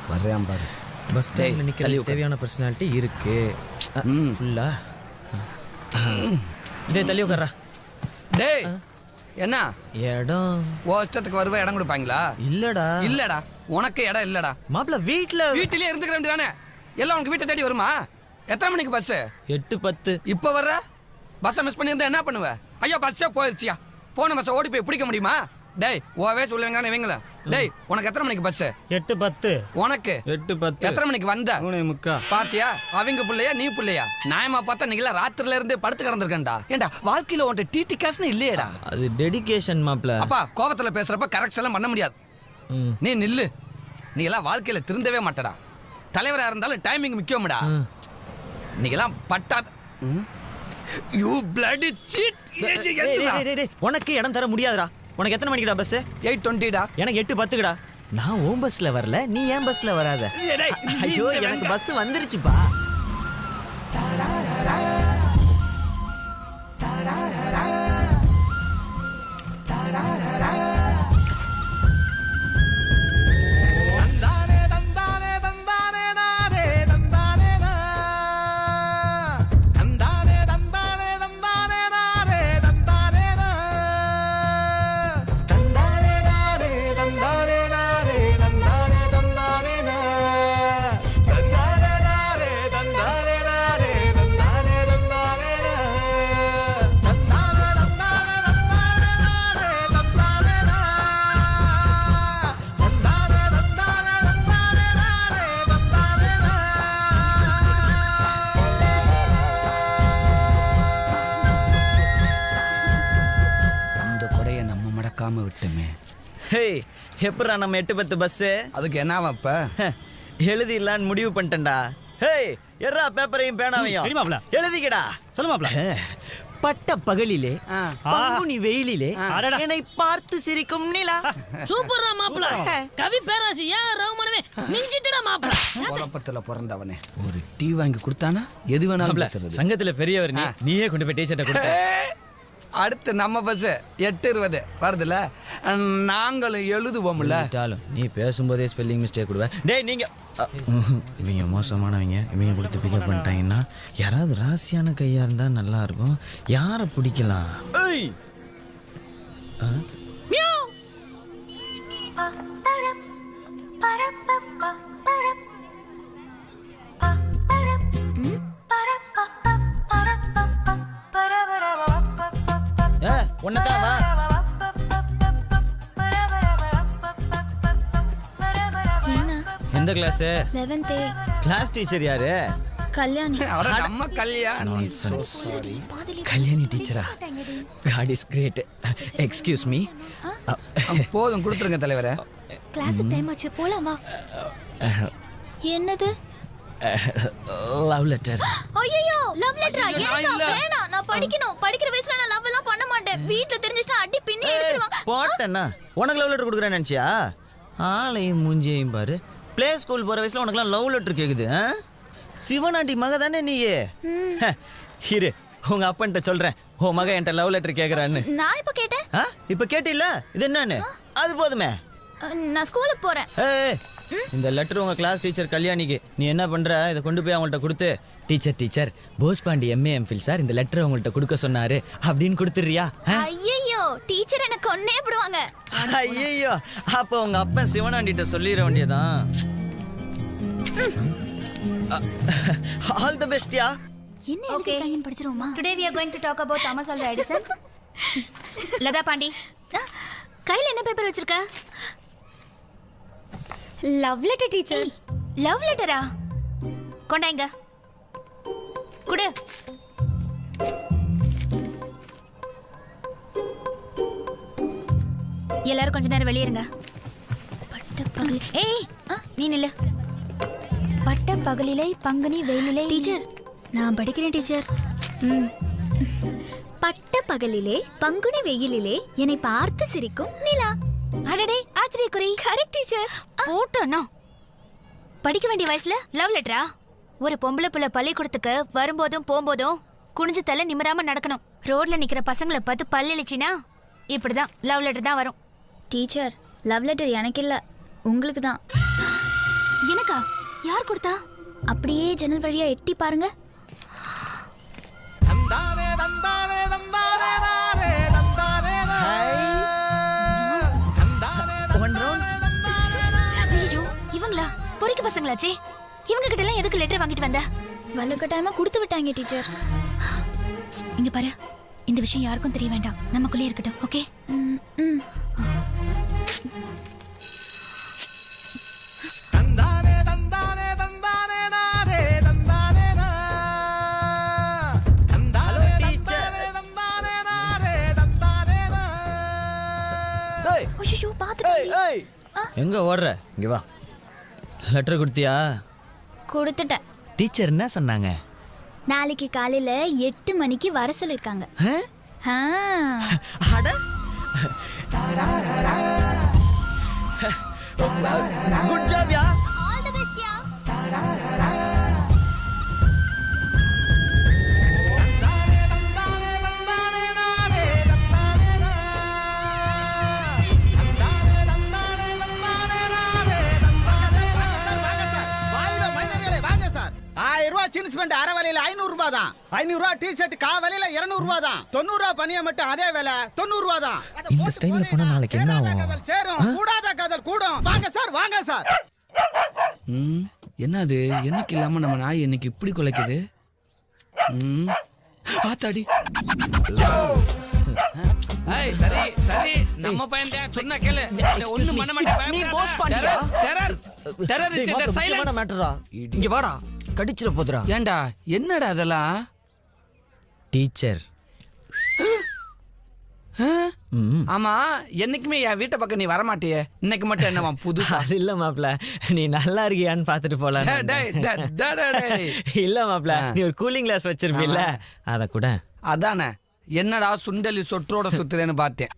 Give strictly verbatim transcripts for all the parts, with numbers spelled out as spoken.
வர்றேன் பாரு. பஸ் ஸ்டாண்ட்ல நிக்க தேவையான பர்சனாலிட்டி இருக்கு ஃபுல்லா. டேய் தள்ளி உட்கார்றா. டேய் என்ன இடம் ஓ இஷ்டத்துக்கு வருவ இடம் கொடுப்பாங்களா? இல்லடா இல்லடா உனக்கு இடம் இல்லடா. மாப்பிள்ள வீட்ல வீட்டிலேயே இருந்துக்க வேண்டியதானே. எல்லாம் உனக்கு வீட்டை தேடி வருமா? எத்தனை மணிக்கு பஸ்? எட்டு பத்து. இப்போ வர்ற பஸ்ஸை மிஸ் பண்ணியிருந்தா என்ன பண்ணுவ? ஐயோ பஸ்ஸே போயிடுச்சியா. போன பஸ்ஸை ஓடி போய் பிடிக்க முடியுமா? டேய் ஓவே சொல்லுவீங்க இவங்கள. டேய் உனக்கு எத்தனை மணிக்கு பஸ்? எட்டு பத்து. உனக்கு எட்டு பத்து. எத்தனை மணிக்கு வந்த? மூணே முக்கா. பாத்தியா அவங்க பிள்ளையா நீ பிள்ளையா? நியாயமா பார்த்தா நீங்களா ராத்திரில இருந்து படுத்து கிடந்திருக்கேன்டா. ஏண்டா வாழ்க்கையில உன்ட்ட டிடி காசுன்னு இல்லையேடா. அது டெடிகேஷன் மாப்பிள்ள. அப்பா கோபத்துல பேசுறப்ப கரெக்ட் எல்லாம் பண்ண முடியாது. நீ நில்லு. நீ எல்லாம் வாழ்க்கையில திருந்தவே மாட்டடா. தலைவரா இருந்தாலும் டைமிங் முக்கியம்டா. நீங்க எல்லாம் பட்டாத யூ பிளடி சீட். உனக்கு இடம் தர முடியாதுடா. உனக்கு எத்தனை மணிக்குடா பஸ்? எயிட் டுவெண்ட்டிடா. எனக்கு எட்டு பத்துக்குடா. நான் ஓம் பஸ்ல வரல, நீ ஏன் பஸ்ல வராத? ஐயோ எனக்கு பஸ் வந்துருச்சுப்பா. விட்டுமே. ஹே எப்படா நம்ம எட்டு பத்து பஸ்? அதுக்கு என்னவா இப்ப? எழுதிடலான்னு முடிவு பண்ணிட்டேன்டா. ஹே எறா பேப்பரையும் பேனாவையும் எழுதிக்கடா. சொல்லு மாப்ள. பட்ட பகலிலே பங்குனி வெயிலிலே என்னை பார்த்து சிரிக்கும் நிலா. சூப்பர்ரா மாப்ள. கவி பேராசி ஏ ரகுமானவே மிஞ்சிட்டடா மாப்ள. கோலப்பத்துல பிறந்தவனே ஒரு டீ வாங்கி கொடுத்தானா எது வேணாலும் பேசுறது. சங்கத்துல பெரியவர் நீ. நீயே கொண்டு போய் டீ-ஷர்ட்டை கொடுத்த. அடுத்து நம்ம பஸ் எட்டு இருபது வருதுல. நாங்களும் எழுதுவோம்ல. நீ பேசும்போதே ஸ்பெல்லிங் மிஸ்டேக் கொடுவ. டேய் நீங்க இவங்க மோசமானவங்க. இவங்க கொடுத்து பிக்கப் பண்ணிட்டாங்கன்னா யாராவது ராசியான கையா இருந்தா நல்லா இருக்கும். யாரை பிடிக்கலாம்? ஒன்னதான் வா. எந்த கிளாஸ்? eleventh. கிளாஸ் டீச்சர் யாரு? கல்யாணி. நம்ம கல்யாணி. கல்யாணி டீச்சரா? God is great. Excuse me. போதும் கொடுத்துருங்க தலைவரே. கிளாஸ் டைம் ஆச்சு போலாமா? என்னது? Love letter. ஐயோ லவ் லெட்டரா? எனக்கு வேணாம். நான் படிக்கணும். படிக்கிற வயசுல நான் லவ் எல்லாம் பண்ண மாட்டேன். வீட்ல தெரிஞ்சிட்டா அடி பின்னி எடுத்துருவாங்க. போட்டேன்னா உனக்கு லவ் லெட்டர் கொடுக்குறேன்னு நினைச்சியா? ஆளையும் மூஞ்சியையும் பாரு. பிளே ஸ்கூல் போற வயசுல உனக்குலாம் லவ் லெட்டர் கேக்குது? சிவனாண்டி மக தானே நீயே? இரு உங்க அப்பன்ட்ட சொல்றேன். உன் மக என்கிட்ட லவ் லெட்டர் கேக்குறான்னு. நான் இப்ப கேட்டேன். இப்ப கேட்டில்ல? இது என்னன்னு? அது போதுமே. நான் ஸ்கூலுக்கு போறேன். ஏய் இந்த லெட்டர் உங்க கிளாஸ் டீச்சர் கல்யாணிக்கு. நீ என்ன பண்ற? இதை கொண்டு போய் அவங்கள்ட்ட கொடுத்து teacher teacher Bosepandi MA MPhil sir இந்த லெட்டர் உங்கள்ட்ட கொடுக்க சொன்னாரு அப்படின்னு கொடுத்துறியா? ஐயோ டீச்சர் என்ன கொன்னே விடுவாங்க. ஐயோ அப்ப உங்க அப்பா சிவனாண்டிட்ட சொல்லிட வேண்டியதான். ஆல் தி பெஸ்ட்யா. என்ன எழுதிருக்காங்கன்னு படிச்சிரோமா? Today we are going to talk about Thomas Alva Edison. Latha Pandi கையில என்ன பேப்பர் வச்சிருக்க? Love letter teacher. லவ் லெட்டரா? கொண்டாங்க குடு. எல்லாரும் கொஞ்ச நேரம் வெளியே இருங்க. பட்ட பகல். ஏய் நீ நில்லு. பட்ட பகலிலே பங்குனி வெயிலிலே. டீச்சர் நான் படிக்கிறேன் டீச்சர். ம். பட்ட பகலிலே பங்குனி வெயிலிலே என்னை பார்த்து சிரிக்கும் நிலா. அடடே ஆச்சரியக்குறி. Correct teacher. போட்டோனா படிக்க வேண்டிய வயசுல லவ் லெட்டரா? ஒரு பொம்பளை புள்ள பள்ளிக்கூடத்துக்கு வரும்போதும் போகும்போதும் குனிஞ்சு தலை நிமிராம நடக்கணும். ரோட்ல நிக்கிற பசங்களை பார்த்து பல்லிச்சினா இப்படிதான் லவ் லெட்டர் தான் வரும். டீச்சர் லவ் லெட்டர் எனக்கு இல்ல உங்களுக்கு தான். எனக்கா? யார் கொடுத்தா? அப்படியே ஜன்னல் வழியா எட்டி பாருங்க. ஐயோ, இவங்களா? பொறிக்க பசங்களாச்சே. இவங்க கிட்ட எல்லாம் எதுக்கு லெட்டர் வாங்கிட்டு வந்த? வலுக்கட்டாயமா கொடுத்து விட்டாங்க டீச்சர். இங்க பாரு, இந்த விஷயம் யாருக்கும் தெரிய வேண்டாம், நமக்குள்ளே இருக்கட்டும். ஓகே? ம், ம். ஐயோ, பாத்துட்டேன். எங்க ஓடுற? இங்க வா. லெட்டர் கொடுத்தியா? கொடுத்துட்டேன். டீச்சர் என்ன சொன்னாங்க? நாளைக்கு காலையில எட்டு மணிக்கு வர சொல்லிருக்காங்க. ஆ. அட குட் ஜாப் யா. ஆல் தி பெஸ்ட் யா. ஜீன்ஸ் பேண்ட் அரை விலையில ஐநூறு ரூபாய் தான். ஐநூறு ரூபாய் டி ஷர்ட் கா விலையில இருநூறு ரூபாய் தான். தொண்ணூறு ரூபாய் பனியா மட்டும் அதே விலை தொண்ணூறு ரூபாய் தான். இந்த ஸ்டைல்ல போனா நாளைக்கு என்ன ஆகும்? காதல் சேரும், கூடாத காதல் கூடும். வாங்க சார், வாங்க சார். ம் என்னது? என்னைக்கு இல்லாம நம்ம நாய் இன்னைக்கு இப்படி குலைக்குது? ம் ஆத்தாடி. ஏய் சரி சரி, நம்ம பையன் தான் சொன்னா கேளு. ஒண்ணும் பண்ண மாட்டேன். நீ போஸ் பண்ணியா? டெரர் டெரரிஸ்ட் இந்த சைலன்ஸ் மேட்டரா. இங்க வாடா, கடிச்சிர போதுடா. ஏண்டா என்னடா அதெல்லாம்? டீச்சர். ஆமா, என்னைக்குமே என் வீட்டை பக்கம் நீ வரமாட்டியே, இன்னைக்கு மட்டும் என்னவா புதுசா? அது இல்ல மாப்ள, நீ நல்லா இருக்கியான்னு பாத்துட்டு போலாம். டேய், டேய், டேய், டேய், டேய். இல்ல மாப்ள, நீ ஒரு கூலிங் கிளாஸ் வச்சிருப்பில்ல, அத கூட. அதானே, என்னடா சுண்டலி சொற்றோட சுத்துறேன்னு பார்த்தேன்.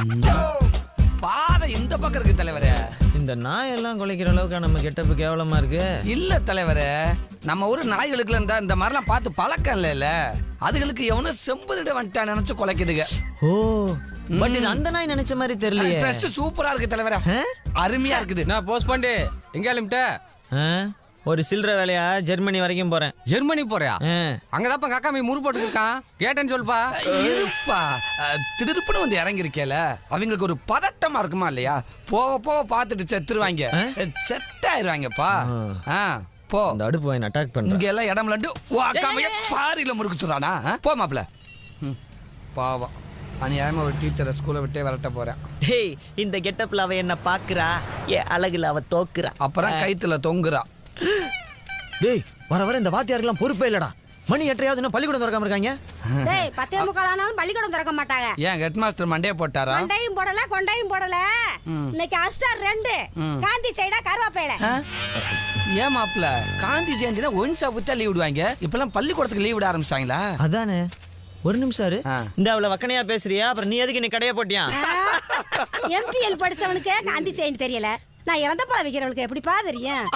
பாதை இந்த பக்கம் இருக்கு தலைவரே. இந்த நாய் எல்லாம் குலைக்கிற அளவுக்கு நம்ம கெட்டப்பு கேவலமா இருக்கு. இல்ல தலைவரே, நம்ம ஊர் நாய்களுக்குல இருந்தா இந்த மாதிரிலாம் பார்த்து பழக்கம் இல்ல. அதுகளுக்கு எவனும் செம்புதிட வந்துட்டா நினைச்சு குலைக்குதுங்க. ஓ, பட் இது அந்த நாய் நினைச்ச மாதிரி தெரியலையே. ட்ரெஸ் சூப்பரா இருக்கு தலைவரே, அருமையா இருக்குது. நான் போஸ்ட் பண்ணி எங்க கிளம்பிட்ட? ஒரு சில்லற வேலையா ஜெர்மனி வரைக்கும் போறேன். ஜெர்மனி போறியா? ஆ. அங்கதாப்பா காக்கா மீ முறு போட்டு இருக்கான், கேட்டேன்னு சொல்லுப்பா. இருப்பா, திடுப்புன்னு வந்து இறங்கி இருக்கேல, அவங்களுக்கு ஒரு பதட்டமா இருக்குமா இல்லையா? போக போக பார்த்துட்டு செத்துருவாங்க, செட் ஆயிருவாங்கப்பா. ஆ, போ. இந்த அடுப்பு வாங்கி அட்டாக் பண்ண. இங்க எல்லாம் இடம் லண்டு வாக்காமைய பாரியில முறுக்குச்சுறானா? போ மாப்ள. பாவம், அநியாயமா ஒரு டீச்சரை ஸ்கூலை விட்டே விரட்ட போறேன். டேய், இந்த கெட்டப்ல அவ என்ன பாக்குறா, ஏ அழகுல அவ தோக்குறா. அப்புறம் கைத்துல தொங்குறா. டேய், வர வர இந்த வாத்தியாருக்கெல்லாம் பொறுப்பே இல்லடா. மணி எட்டையாவது இன்னும் பள்ளிக்கூடம் திறக்காம இருக்காங்க. டேய், பத்தே முக்கால் ஆனாலும் பள்ளிக்கூடம் திறக்க மாட்டாங்க. ஏன் ஹெட் மாஸ்டர் மண்டையை போட்டாரா? கொண்டையும் போடல, கொண்டையும் போடல. இன்னைக்கு அஸ்டார் ரெண்டு, காந்தி சைடா கருவாப்பேல. ஏன் மாப்ள, காந்தி ஜெயந்தினா ஒன்சா புத்தா லீவ் விடுவாங்க, இப்பெல்லாம் பள்ளிக்கூடத்துக்கு லீவ் விட ஆரம்பிச்சிட்டாங்களா? அதானே. ஒரு நிமிஷம் இரு. ஆ. இந்த அவளை வக்கனையா பேசுறியா? அப்புறம் நீ எதுக்கு நீ கடைய போட்டியா? எம்பிஎல் படிச்சவனுக்கு காந்தி ஜெயந்தி தெரியல, நான் இறந்த பழம் விக்கிறவனுக்கு எப்படிப்பா தெரியும்?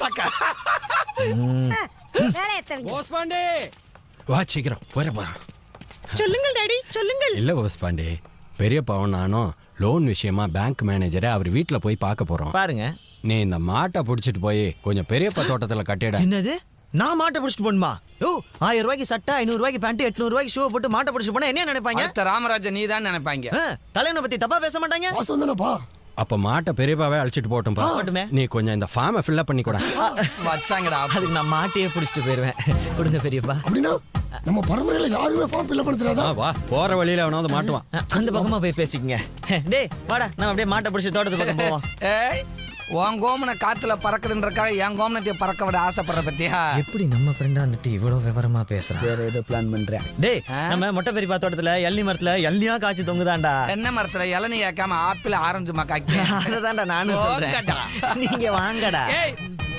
வேலை எத்தவங்க போஸ்ட் பண்ணி வா, சீக்கிரம் வர போறான். சொல்லுங்கள் டாடி, சொல்லுங்கள். இல்ல போஸ் பாண்டே, பெரியப்பாவும் நானும் லோன் விஷயமா பேங்க் மேனேஜரை அவர் வீட்டுல போய் பார்க்க போறோம். பாருங்க, நீ இந்த மாட்டை புடிச்சிட்டு போய் கொஞ்சம் பெரியப்பா தோட்டத்துல கட்டிட. என்னது? நான் மாட்டை பிடிச்சிட்டு போணுமா? ஓ, ஆயிரம் ரூபாய்க்கு சட்டை, ஐநூறு ரூபாய்க்கு பேண்ட், எட்நூறு ரூபாய்க்கு ஷூ போட்டு மாட்டை பிடிச்சிட்டு போனா என்ன நினைப்பாங்க? அடுத்த ராமராஜன் நீ தான் நினைப்பாங்க. ஆ, தலைவனை பத்தி தப்பா பேச மாட்டாங்க. அப்ப மாட்டை பெரியப்பாவே அழைச்சிட்டு போட்டும்பா. போட்டுமே. நீ கொஞ்சம் இந்த ஃபார்மை ஃபில்அப் பண்ணி கூட. வச்சாங்கடா. அதுக்கு நான் மாட்டையே பிடிச்சிட்டு போயிருவேன். கொடுங்க பெரியப்பா. அப்படின்னா நம்ம பரம்பரையில யாருமே ஃபார்ம் ஃபில் பண்ணுறதா? வா, போற வழியில அவனாவது மாட்டுவான். அந்த பக்கமா போய் பேசிக்கங்க. டேய் வாடா, நம்ம அப்படியே மாட்டை பிடிச்சி தோட்டத்து பக்கம் போவோம். ஏய், உன் கோமனை காத்துல பறக்குதுன்றக்காக என் கோமனத்தை பறக்க விட ஆசைப்படுற பத்தியா? எப்படி நம்ம ஃப்ரெண்டா வந்துட்டு இவ்வளவு விவரமா பேசுறான்? வேற ஏதோ பிளான் பண்றேன். டேய், நம்ம மொட்டை பெரியப்பா தோட்டத்துல எள்ளி மரத்துல எள்ளியா காய்ச்சி தொங்குதாண்டா. தென்னை மரத்துல இளநீ ஏக்காம ஆப்பிள் ஆரஞ்சு மக்காக்கி. அததான்டா நானும் சொல்றேன். போங்கடா. நீங்க வாங்கடா. ஏய்,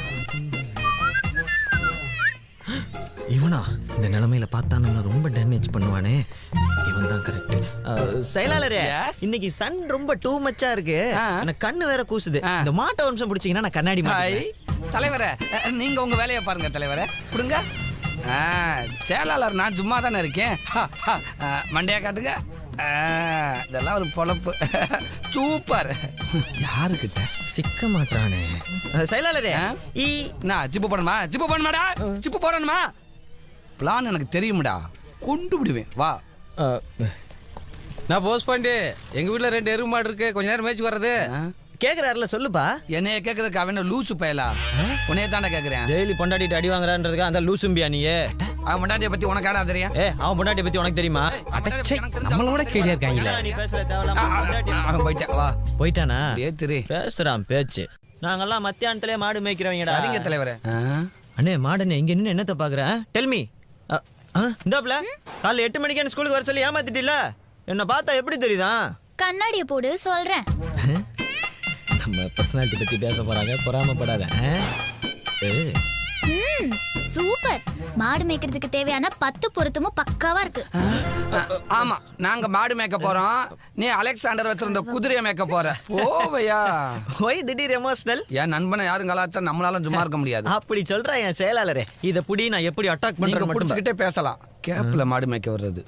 இவனா இந்த நிலைமையில பார்த்தா நம்ம ரொம்ப டேமேஜ் பண்ணுவானே. இவன் தான் கரெக்ட். செயலாளரே, Yes? இன்னைக்கு சன் ரொம்ப டூ மச்சா இருக்கு. ஆ. எனக்கு கண்ணு வேற கூசுது. ஆ. இந்த மாட்டை ஒரு நிமிஷம் பிடிச்சீங்கன்னா நான் கண்ணாடி ஹாய் மாட்டேன். தலைவரே, நீங்க உங்க வேலையை பாருங்க தலைவரே. கொடுங்க. ஆ, செயலாளர் நான் சும்மா தானே இருக்கேன். மண்டையா காட்டுங்க. ஆ, இதெல்லாம் ஒரு பொழப்பு. சூப்பர். யாருக்கிட்ட சிக்க மாட்டானே செயலாளரே ஆ? ஈ நான் ஜிப்பு போடணுமா ஜிப்பு போடணுமாடா ஜிப்பு போடணுமா பிளான் எனக்கு தெரியும்டா கொண்டு விடுவேன் வா. அஹ், நான் போஸ்ட் பண்ணி எங்க வீட்ல ரெண்டு எருமை மாடு இருக்கு கொஞ்ச நேரம் மேய்ச்சி வர்றது. ஆ? கேக்குறாருல சொல்லுப்பா. என்னைய கேட்கறதுக்கு அவன் என்ன லூசு பயலா உன்னைய தாண்டா கேட்குறேன். டெய்லி பொண்டாட்டிட்டு அடி வாங்குறான்றதுக்கு அந்த லூசும்பியா நீ? அவன் முன்னாடியை பற்றி உனக்கு ஆடா தெரியும். ஏ அவன் பொண்டாட்டியை பத்தி உனக்கு தெரியுமா? நம்மளோட கேடியா இருக்காங்களே. நீ பேசுற தேவையில்லாம பொண்டாட்டி- அவன் போயிட்டான் வா. போயிட்டானா? அப்படியே திரு. பேசுறான் பேச்சு. நாங்கெல்லாம் மத்தியானத்திலே மாடு மேய்க்கிறவங்கடா. சரிங்க தலைவரே. அண்ணே மாடுண்ணே இங்க நின்று என்னத்த பாக்குற? டெல்மி இந்தாப்ல காலைல எட்டு மணிக்கு ஸ்கூலுக்கு வர சொல்லி ஏமாத்திட்டில என்ன பார்த்தா எப்படி தெரியுதா? கண்ணாடிய போடு சொல்றேன். நம்ம பர்சனாலிட்டி பத்தி பேச போறாங்க, பொறாமப்படாத. ஆ? ஏய், ம், சூப்பர். மாடு மேய்க்கிறதுக்கு தேவையான பத்து பொருத்தமும் பக்காவா இருக்கு. ஆமா நாங்க மாடு மேய்க்க போறோம். நீ அலெக்சாண்டர் வச்சிருந்த குதிரையை மேய்க்க போற. போவையா? ஒய் திடீர் எமோஷனல்? என் நண்பனை யாரும் கலாச்சா நம்மளால சும்மா இருக்க முடியாது. அப்படி சொல்ற என் செயலாளரே. இத புடி நான் எப்படி அட்டாக் நீங்க பண்றேன்னு மட்டும் புடிச்சுக்கிட்டே பேசலாம். கேப்ல மாடு மேய்க்க வர்றது.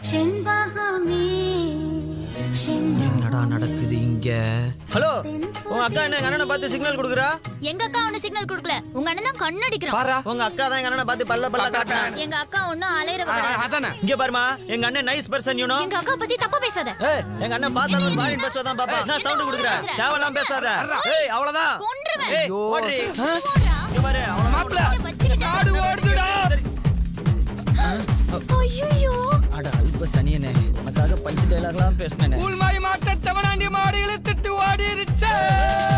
என்னடா நடக்குது இங்க? ஹலோ, உங்க அக்கா என்ன எங்க அண்ணனை பார்த்து சிக்னல் கொடுக்குறா? எங்க அக்கா ஒண்ணு சிக்னல் கொடுக்கல, உங்க அண்ணன் தான் கண்ணடிக்கிறான். பாரா. உங்க அக்கா தான் எங்க அண்ணனை பார்த்து பல்ல பல்ல காட்டுறான். எங்க அக்கா ஒண்ணும் அலையறவ ஆ, கிடையாது. அதானே. இங்க பாருமா, எங்க அண்ணன் நைஸ் பர்சன் யூ நோ. எங்க அக்கா பத்தி தப்பா பேசாத. ஏய், எங்க அண்ணன் பார்த்தா ஒரு மாதிரி பேசுவதான் பாப்பா. நான் சவுண்ட் கொடுக்குறேன். பேசுற? தேவலாம் பேசாத. ஏய், அவ்வளவுதான். கொன்றுவேன். ஏய், ஓடுறி. ஓடுறா. இங்க பாரு, அவ்வளவு மாப்ள வச்சுக்கிட்டு. மாடு ஓடுதுடா. ஐயோ, அட அல்ப சனியனே, உனக்காக பஞ்சு டைலாக்லாம் பேசினேனே. கூழ்மாய் மாட்ட செவனாண்டி மாடு இழுத்துட்டு ஓடிருச்சே.